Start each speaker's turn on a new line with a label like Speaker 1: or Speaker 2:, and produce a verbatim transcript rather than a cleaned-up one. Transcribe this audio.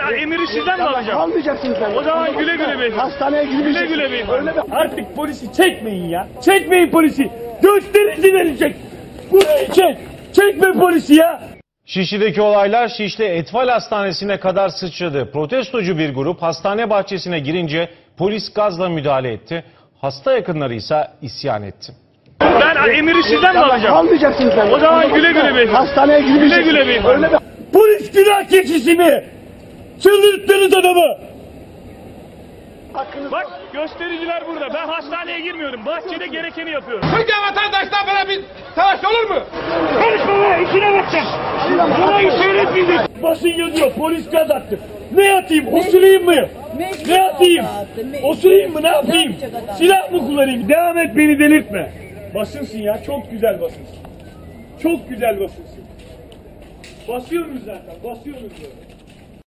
Speaker 1: Ben emiri sizden mi alacağım?
Speaker 2: Almayacaksın sen.
Speaker 1: O zaman güle güle beyefendi.
Speaker 2: Hastaneye
Speaker 1: Güle
Speaker 2: gideceksin.
Speaker 1: güle beyefendi.
Speaker 3: Artık polisi çekmeyin ya. Çekmeyin polisi. Gösterici verecek. Burayı çek. Çekme polisi ya.
Speaker 4: Şişli'deki olaylar Şişli Etfal Hastanesi'ne kadar sıçradı. Protestocu bir grup hastane bahçesine girince polis gazla müdahale etti. Hasta yakınları ise isyan etti.
Speaker 1: Ben emiri sizden mi alacağım?
Speaker 2: Almayacaksın sen.
Speaker 1: O zaman güle güle beyefendi.
Speaker 2: Hastaneye gideceksin.
Speaker 1: Güle güle beyefendi.
Speaker 2: Öyle bir...
Speaker 3: Polis günah keçisi mi? Çıldırttınız adamı.
Speaker 1: Bak göstericiler burada. Ben hastaneye girmiyorum. Bahçede gerekeni yapıyorum.
Speaker 5: Türkiye vatandaşlar böyle bir savaş olur mu?
Speaker 3: Konuşma be, işine bakacaksın. Burayı seyretmeyecek. Basın yazıyor, polis gaz attı. Ne atayım, osurayım mı? Ne atayım? Osurayım mı, ne yapayım? Silah mı kullanayım? Devam et, beni delirtme. Basınsın ya, çok güzel basınsın. Çok güzel basınsın. Basıyoruz zaten, basıyoruz böyle.